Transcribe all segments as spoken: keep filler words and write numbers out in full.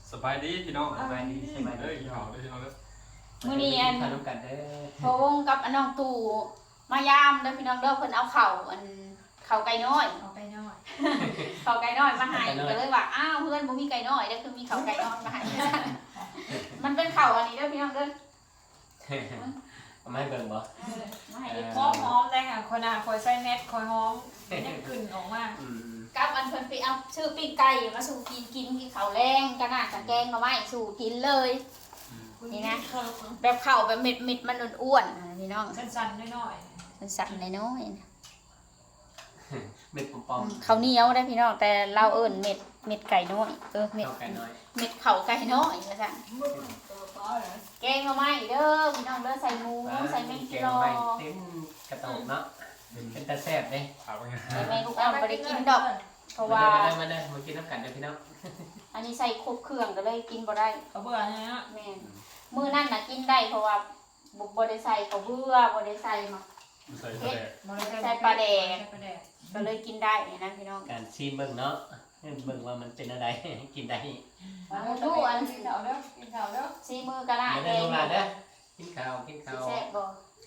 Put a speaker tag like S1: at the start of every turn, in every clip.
S1: สบายดีพี่น้อง
S2: สบายดีสบายดี
S1: เอ้ยพี่น้องเอ้ยพี่น้องเอ้ย
S3: มื้อนี้อัน
S2: ขนมกันเด้อ
S3: พอวงกับอันน้องตู่มายามเด้อพี่น้องเด้อเพิ่นเอาเข่าวอันเข่าวไก่น้อย
S4: เอาไปหน่อย
S3: เข่าวไก่น้อยมาให้ก็เลยว่าอ้าวเพื่อนบ่มีไก่น้อยเด้อคือมีเข่าวไก่น้อยมาให้มันเป็นเข่าวอันนี้เด้อพี่น้องเด้อ
S2: เอามาให้เบิ่งบ่
S3: เออมาให้เด็ก
S4: หอมหอมได้ค่ะคนอ่ะคอยใส่เน็ตคอยหอมยังกลิ่นออกมา
S2: อืม
S3: กับอันเพิ่นไปเอาชื่อปิ้งไก่มาสู่กินกินกินข้าวแรงกะน่าจะแกงหน่อไม้สู่กินเลย นี่นะ แบบข้าวแบบเม็ดเม็ดมันอ้วนๆอ่ะพี่น้อง
S4: สั้นๆน้อย
S3: มันสั่นน้อยๆนะ
S2: เม็ดปอม
S3: ข้าวเหนียวได้พี่น้องแต่เราเอิ้นเม็ดเม็ดไก่น้อยเออ
S2: ๆ
S3: เม็ด
S2: เข้าไก่น้อย
S3: เม็ดข้าวไก่น้อยว่าซั่นแกงหน่อไม้เด้อพี่น้องเด้อใส่หมูใส่แมง
S2: แก
S3: กิ
S2: ง
S3: โล
S2: ไม้เต็มกระโตกเนาะเป็นตาแซ่บเด้
S1: ถามว่าไง
S3: ใส่แมงลูก
S4: ๆ
S3: อ้ำบ่ได้กินดอก เพราะว่า
S2: มาเด้อมาเด้อมากินน้ำกันเด้อพี่น้อง
S3: อันนี้ใส่ครบเครื่องก็เลยกินบ่ได้
S4: เขาเบื่อเนี่ยนะ
S3: แม่นมื้อนั้นน่ะกินได้เพราะว่าบ่บ่ได้ใส่ข้าวเบื่อบ่ได้ใส่หมัก
S1: ใส่กระแดก
S4: ใส่ปลาแดง
S3: ก็เลยกินได้นะพี่น้อง
S2: การชิมเบิ่งเนาะเบิ่งว่ามันเป็นอะไร กินได้
S3: ดูอัน
S4: กินข้าวเด้อกินข้าวเด้อ
S3: ซีมือก็ได้
S2: มา
S3: แก
S2: เด้อง ลูกหลานเด้อ
S3: สิ
S2: กินข้าวกินข้าว
S3: แซ่บบ่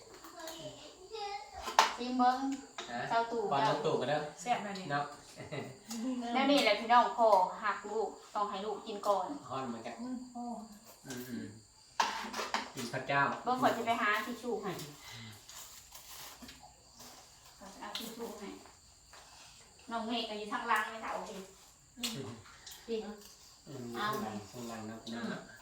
S3: ซีเบิ่ง
S2: ฮะ
S3: เจ้าตู่
S2: ก่อน
S3: เจ้า
S2: น้ำตู่กันเด้อ
S4: แซ่บหน่อยนี่
S2: เนาะ
S3: แล้วนี่แหละพี่น้องพ่อหักลูกต้องให้ลูกกินก่อน
S2: ฮ้อนเหมือนกัน
S4: โอ้
S2: อืมๆกินพระเจ้า
S3: เบิ่งขอยจะไปหาทิชชู่ให้เอาทิชชู่ให้น้องเมฆก็อยู่ทางล่างไม่เท่าโอเคจริง
S2: อืมข้างหลังข้างหลังเนาะพี่น้องเนาะ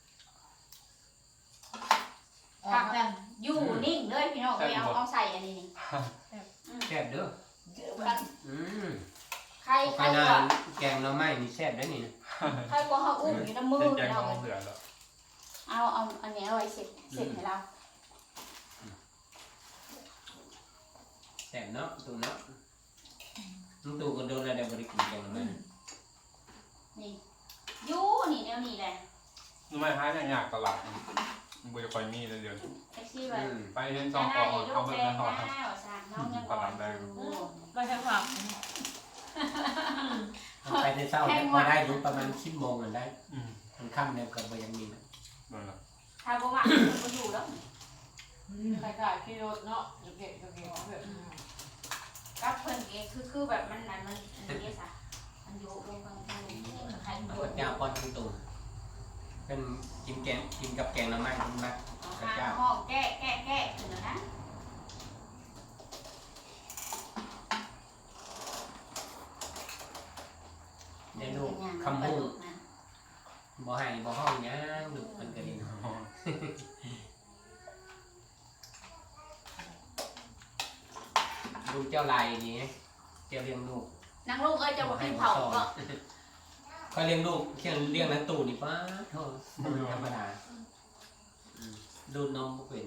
S3: ผักนั่นอยู่นิ่งเลยพี่น้องไปเอาเอาใส่อันนี้นี่
S2: แซ่บเด้อ
S3: กัน
S2: อืม
S3: ใคร
S2: เอา
S3: ใค
S2: ไป
S3: ร
S2: นาก
S3: ว่าน
S2: แกงหน่อไม้นี่แซ่บเด้อนี่
S3: ใครกว่าเขาอุ้มอยู่ในมือ
S1: เป็นแกง
S3: เรา
S1: ทองเหลือแล้ว
S3: เอาเอาอันนี้เอาไว้เสร็จเสร็จให้เรา
S2: แซ่บเนาะตู่เนาะน้องตู่ก็โดนอะไรได้บริกินแกงหน่อไม้
S3: นี่อยู่นี่แนวนี้แหละ
S1: ทำไมหาอย่างยากตลาดมันบ่จะคอยมีเลยเดี๋ยว
S3: แท็กซี่แบบ
S1: ไปเห็นซ
S3: จะ
S1: อง
S3: ให้
S1: กอง
S3: ย
S1: เอา
S4: Ờ,
S3: ก
S1: เบิ่
S3: แด
S1: ง
S3: ง
S1: นะ
S3: ห
S1: ครับ
S3: น้าสั่งน้องยังก่อนอยู่
S4: ไปทางฝั่ง
S2: ไปในเช้าเนี่ยพอได้รู้ประมาณสิบโมงกันได้
S1: อืม
S2: มันค่ำเนี่ยก็บ่ยังมีนะ
S1: นั่นแหละ
S3: ถ้าบ่ว่าก็อยู่แล้ว
S4: ใครขายขี่รถเนาะเก็บเก็บเก็บเก็บ
S3: กับเพิ่นเองคือคือแบบมันนั้นมันมันเยอะซะมันอยู่ลงกลางทางใคร
S2: พ
S3: บ่
S2: ระเจ้าป้อนน้องตู่เป็นกินแกงกินกับแกงหน่อไม้คุณมักพระ
S3: หา
S2: เจ้า
S3: ห้องแก้แก้แก้ถึงแล้วนะ
S2: เดี๋ยวลูกคำมุ่งบ่ให้บ่ห้องหยังลูกมันก็ดีลูกเจ้าลายนี่เจ้าเลี้ยงลูก
S3: นางลูกเอ้ยจะบ่กินเผาบ่
S2: ก็เลี้ยงลูกเลี้ยงเลี้ยงนักตู่นี่ป้าโทษธรรมดาอืมดูดนมบ่เป็น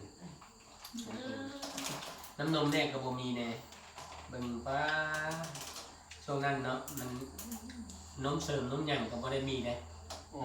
S2: น้ำนมแน่ก็บ่มีแน่เบิ่งป้าช่วงนั้นเนาะมันนมเสริมนมหยังก็บ่ได้มีเด้
S1: โอ้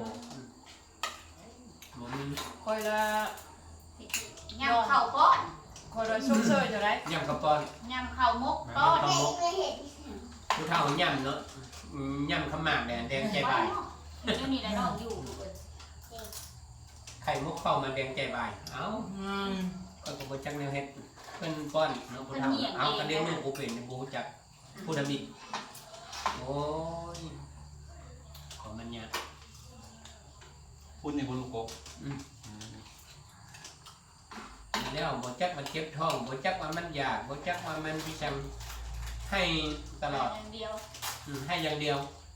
S2: บ่มี
S4: คอยละ
S3: ยำข้าวก้อน
S4: คอยละชุ่มเชยอยู่ไร
S2: ยำกระป้อน
S3: ยำข้าวมกก้อน
S2: ผู้เฒ่ายำเนาะอืมยำขาวหมากแดงแดงใจบาย
S3: อยู่นี่แหละน้องอยู่
S2: ไข่มุกเข้ามาแดงใจบายเอ้าก็บ่จักแนวเฮ็ดเพิ่นป้อนเนาะผู้เฒ่าเอาก็เลี้ยงลูกบ่เป็นบ่รู้จักผู้ดำมิโอ้ยของมันยาก
S1: พูดในบุญลูกกบ
S2: แล้วบ่จักมันเจ็บท้องบ่จักว่ามันอยากบ่จักว่ามันพิชังให้ตลอด
S3: อย่างเดียว
S2: อืมให้อย่างเดียว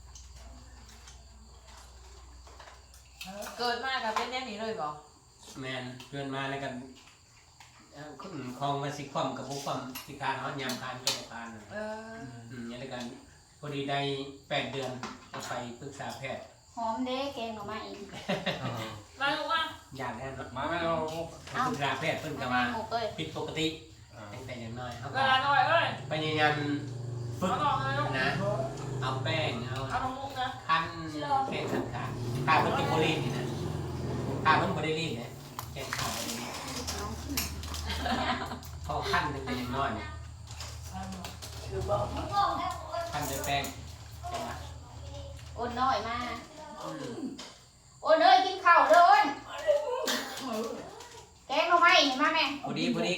S4: เกิดมากับเป็นแน่นี้เลยบ่
S2: แม่นเพื่อนมาแล้วกันเอ่อคุณของมาสิความกับบ่ความสิการเฮายามคานก็บ่คาน
S4: เออ
S2: อืมอย่างนี้กันพอดีได้แปดเดือนก็ไปปรึกษาแพทย์
S3: หอมเด้แกงออกมาอีก
S4: มาลูกว่า
S2: อยากแน่นอน
S1: มาไม่เอา
S2: ปรึกษาแพทย์เพิ่นก็
S3: มา
S2: มา
S3: หมกเอ้ย
S2: ผิดปกติตั้งแต่อย่างน้อยครับ
S4: เวลาหน่อยเอ้ย
S2: พยายามฝึก
S4: เอาลองเลยลูก
S2: นะ เอาแป้งเอา
S4: เอาลงมุกนะ
S2: คั้นแป้งขันขาขาเพิ่นเป็นโบลีนนี่นะขาเพิ่นบ่ได้ลีนนะแกงขาบ่ได้ลีนเขาคั้นตั้งแต่อย่างน้อยนะคั้นด้วยแป้งใช่ไหม
S3: โอนน้อยมา
S2: อืม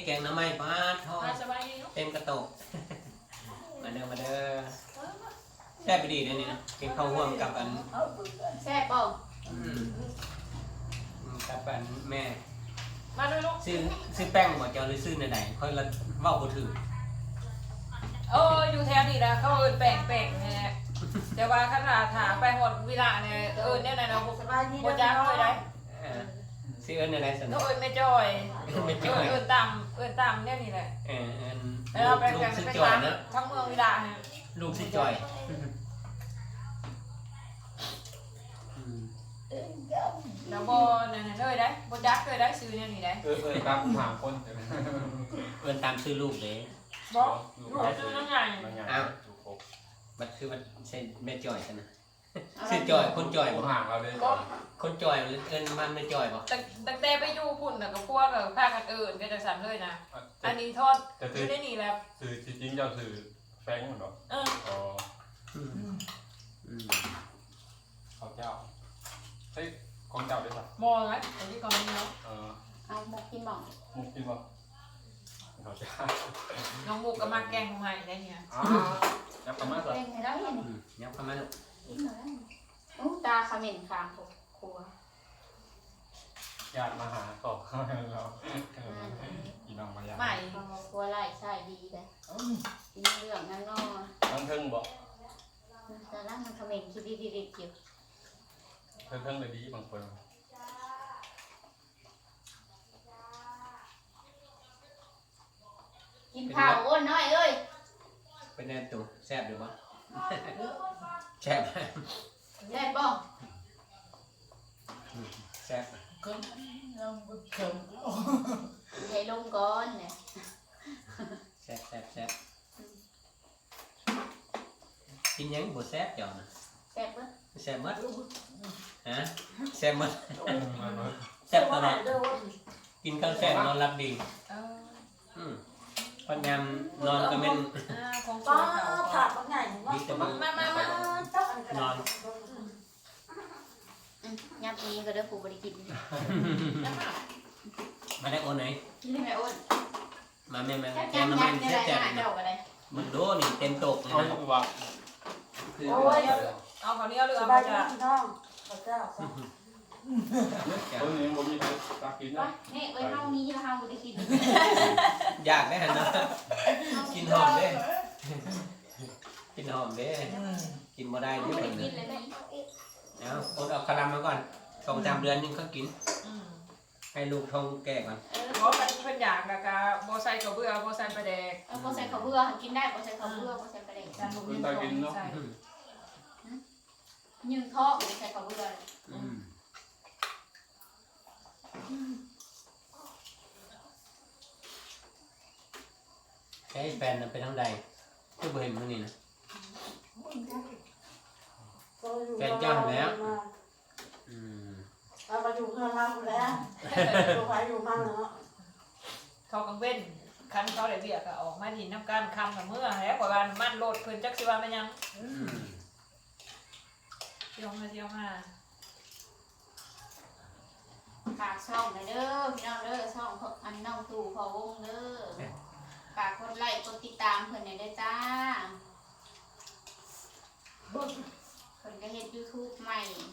S2: แกงน้ำไม้ปลาทอด
S4: มาสบายดีเนาะ
S2: เต็มกระโตกมาเด้อมาเด้อแซ่บไปดีนะนี่นะกินข้าวห่วงกับอัน
S3: แซ่บป่ะ
S2: อืมกับอันแม่
S4: มาด้วยลูก
S2: ซื้อซื้อแป้งบ่เจ้าหรือซื้อไหนๆค่อยละเว้าบ่ถือ
S4: เอออยู่แถวนี้นะเขาเอินแปลงแปลงเนี่ยแต่ว่าขนาดถามไปหมดเวลาเนี่ยเออเนี่ยนะเราโบจ้าเลยได้
S2: เออซื้ออันไหนๆสน
S4: เขาเอินไม่จอย
S2: ไม่
S4: เอ
S2: จ่อ
S4: อย เอินต่ำเอินต่ำเนี่ยนี่แหละ
S2: เอออัน
S4: แล้วเราไป
S2: ลู
S4: กั
S2: ก
S4: น
S2: ซื้อ
S4: ไป
S2: จ่อย
S4: ร้าน
S2: นะ
S4: ทั้งเมืองเวลาเนี่ย
S2: ลูกซื้อจ่อยอืม
S4: แล้วโบนั่นน่ะเลยได้โบจักเลยได้ซื้อเนี่ยนี่ได้
S1: เออเออครับถามคน
S2: เอิ้นตามซื้อลูกเลย
S4: บอกลูกซื้อนั่งไง
S1: บางอย่างถูกครบ
S2: มันคือมันใช่แม่จ่อยซั่นนะซื้อจ่อยคนจ่อย
S1: ผ
S2: บ่
S1: มห่างเราเลย
S4: ก็
S2: คนจ่อยหรือเอิ้นมันแม่จ่อยบ่
S4: ตั้งตั้งแต่ไปอยู่พุ่นน่ะกับพวกกับภาคกันเอินก็จะสั่นเลยนะอันนี้ทอด
S1: จะ
S4: อ
S1: ซื้อยู่
S4: ได้นี่แล้ว
S1: ซื้อจริงๆเจ้าซื้อแฟงเหมือนหรอ
S4: เออ
S1: อ๋อ
S2: อืมอืม
S1: เขาเจ้าเฮ้ยของเจ้าได้ป่ะ
S4: มองไหมอันนี้ก่อนนี้เนาะ
S1: เออ
S3: เอาหมกกินบ่
S1: มุกกินป่ะเขาเจ้า
S4: น้องมุกกับมาแกงของใหม่ได้เนี่ย
S1: อ๋อยับประมาณสัก
S3: เล่นให้ได้เห็น
S2: อืมยับเข้ามาลูก
S3: กินหน่อยอู้ตาเขม็นคางครัว
S1: ญาติมาหาต่อเราอีน้องมาญาติ
S4: ใหม่
S3: ครัวไล่ใช่ดีเลยกินเรื่องนั้นเนาะ
S1: ทั้งเทิงบอก
S3: แต่ละมันเขม็นคิดดีๆๆอยู่
S1: เทิงเทิงเลยดีบางคน
S3: กินข้าวอ้วนน้อยเอ้ย
S2: เป็นแน่ตัวแซ่บอยู่บ่แซ่บ
S3: แซ่บบ่
S2: แซ่บ
S3: ใหญ่ลงก่อนเนี่ย
S2: แซ่บแซ่บแซ่บกินยังบ่แซ่บจ้ะนะ
S3: แซ่บเบ้อ
S2: แซ่บหมดฮะแซ่บหมดแซ่บตลอดกินข้าวแซ่บนอนหลับดี
S4: เออ
S2: อืมพยายามนอนก็แม่น
S4: อ่าของส
S5: ป้า
S4: วยเขา
S5: ผักมันใหญ่ว่า
S2: ดีแต่มัน
S4: มามามา
S2: นอน
S3: ยามนี้ก็เด้อปู่บ่ได้กิน
S2: มาได้โอนไหน
S3: กินได้ไหมอ้วน
S2: มาแม่มา
S3: แซ่บ
S2: แก
S3: จั
S2: ง
S3: ง
S2: น้ำ
S3: ยั
S2: มัน
S3: งจะ
S2: แซ่บ
S3: ได้
S2: แซ่บ
S3: หา
S2: นะ
S3: เจ้าก็ได้
S2: มึงดูนี่เต็มโตกเลย
S1: เอา
S2: นะ
S1: คือว่า
S2: คือ
S5: โอ้ย
S4: เอาเขาวเหนี้ยวหรือ
S5: ส
S4: เอา
S5: บา
S4: ไป
S5: ยดี
S4: จ้ะ
S5: พี่น้องพระเจ้า
S1: คนนี้ผมมีใครตักกินนะ
S3: ว่านี่เอ้ยเฮานี้แล้วเฮาบ่ได้กิน
S2: อยากได้หันนะกินหอมเด้กินหอมเด้กินบ่ได้
S3: เฮา
S2: เด้
S3: บ่
S2: ค
S3: ได้
S2: น
S3: กิ
S2: นึ
S3: น
S2: ง
S3: เลยแม่
S2: เอาอดเอาคารามาก่อนสองสามเดือนนึงก็กิน
S4: อืม
S2: ให้ลูกท้องแก่ก่อน
S3: เออ
S4: เพราะมันเพิ่นอยากกะกะโบใส่กับเบื่อโบใส่ปลาแดก
S3: เออบ่ใส่ข้าวเบื่อกินได้บ่ใส่ข้าวเบื่อบ่ใส่ปลาแดก
S4: จานลูกนี่ต้องใส่
S3: ยืนท้อบ่ใส่ข้าวเบื่อ
S2: อืมใช้แฟนน่ะไปทางใดคือบ่เห็นมื้อนี้นะ อืม
S5: เราไปอยู่เพื่อนเราแล้วอยู่ไปอยู่มั่งเนาะ
S4: เขากังเว้นคันเขาได้เบียกก็ออกมาดินน้ำกันคำกับเมื่อแล้วกว่าวันมันโลดเพิ่นจักสิว่ามันยัง
S2: อืม
S4: เที่ยวมาเที่ยวมา
S3: ฝากช่องหน่อยเด้อพี่น้องเด้อช่องอันน้องตู่พอวงเด้อฝากกดไลค์กดติดตามเพิ่นหน่อยเด้อจ้าเพิ่นก็เฮ็ด YouTube ใหม่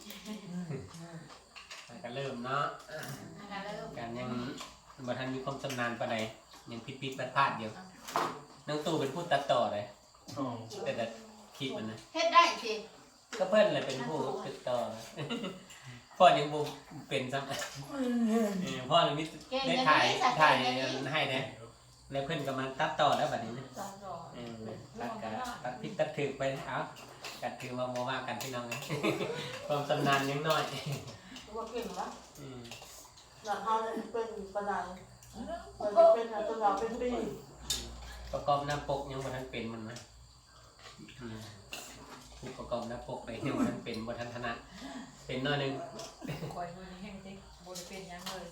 S2: แล้วก็เริ่มเนาะ
S3: นะคะเริ่ม
S2: การยังบ่ทันมีความชำนาญปานใดยังผิดๆพลาดๆอยู่น้องตู่เป็นผู้ตัดต่อเลยแต่แต่คลิปมันนะ
S3: เฮ็ดได้สิ
S2: ก็เพิ่นเลยเป็นผู้ติดต่อ พ่อยังบ่เป็นซ้ำ เออพ่อเลยมี
S3: เก่ง
S2: ได้
S3: อย่าง
S2: ถ่าย
S3: นี้สัตว์
S2: ถ่าย
S3: เก่งอย่างนี้
S2: ให้นะแล้วเพิ่นก็มาตัดต่อแล้วบัดนี้นะ
S4: สอนสอน
S2: เออตัดกะตัดผิดตัดถูกไปเอากัดถือว่าบ่ว่ากันพี่น้องนะ ความชำนาญยังน้อย
S5: ตัวเก่งแล้ว
S2: อืม
S5: หลังเขาเลยเป็นประดานเป็นเป็นตัวเราเป็นปี
S2: ประกอบหน้าปกยังบ่ทันเป็นมันนะอืมผู้ประกอบหน้าปกไปยังบ่ทันเป็นบ่ทันถนัดเป็นน้อยหนึง
S4: คอยมือนี้แห้งจริงโบได้เป็นยังเลย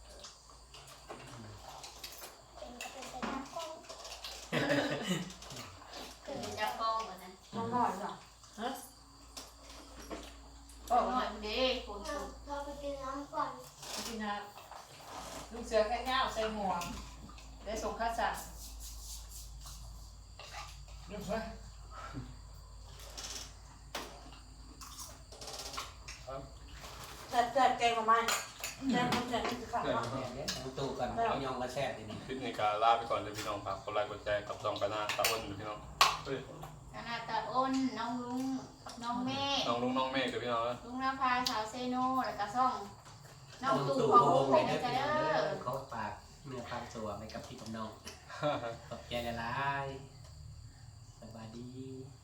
S3: คือจับกล้องก่อนนะ
S5: น้องหน่อยจ้ะ
S3: กล้องหน่อยเด้คุณ
S6: เราไปกินน้ำก่อน
S4: พี่นาลูกเสือแค่เงาใส่หมวกแดได้ส่งค่าสั่งเรียบร้อย
S5: แซ่บแซ่บแกงมาไหมแซ่บคนแซ่บนี่คือข้าว
S2: แม่เนี่ยทั้งตู้กันเอายองมาแซ่บทีนี้
S1: คลิปนี้ก็ลาไปก่อนเดี๋ยวพี่น้องฝากกดไลค์กดแชร์กับซองกันหน้าตาอ้นพี่น้องเฮ้ย
S3: คณะตาอ้นน้องลุงน้องเมฆ
S1: น้องลุงน้องเมฆกับพี่น้องนะ
S3: ลุงนภาสาวเซโนแล้วก็ซ่องน้องตู่
S2: ตู้
S3: ของ
S2: โฮ
S3: ลุ
S2: ม
S3: ง
S2: เล
S3: ไป
S2: ย
S3: นะ
S2: นะ
S3: จ๊ะ
S2: พี่
S3: เด้
S2: น้อง
S3: อ
S2: เด้อเขาฝากเนื้อความตัวไปกับพี่กับน้องขอบใจละลายสบายดี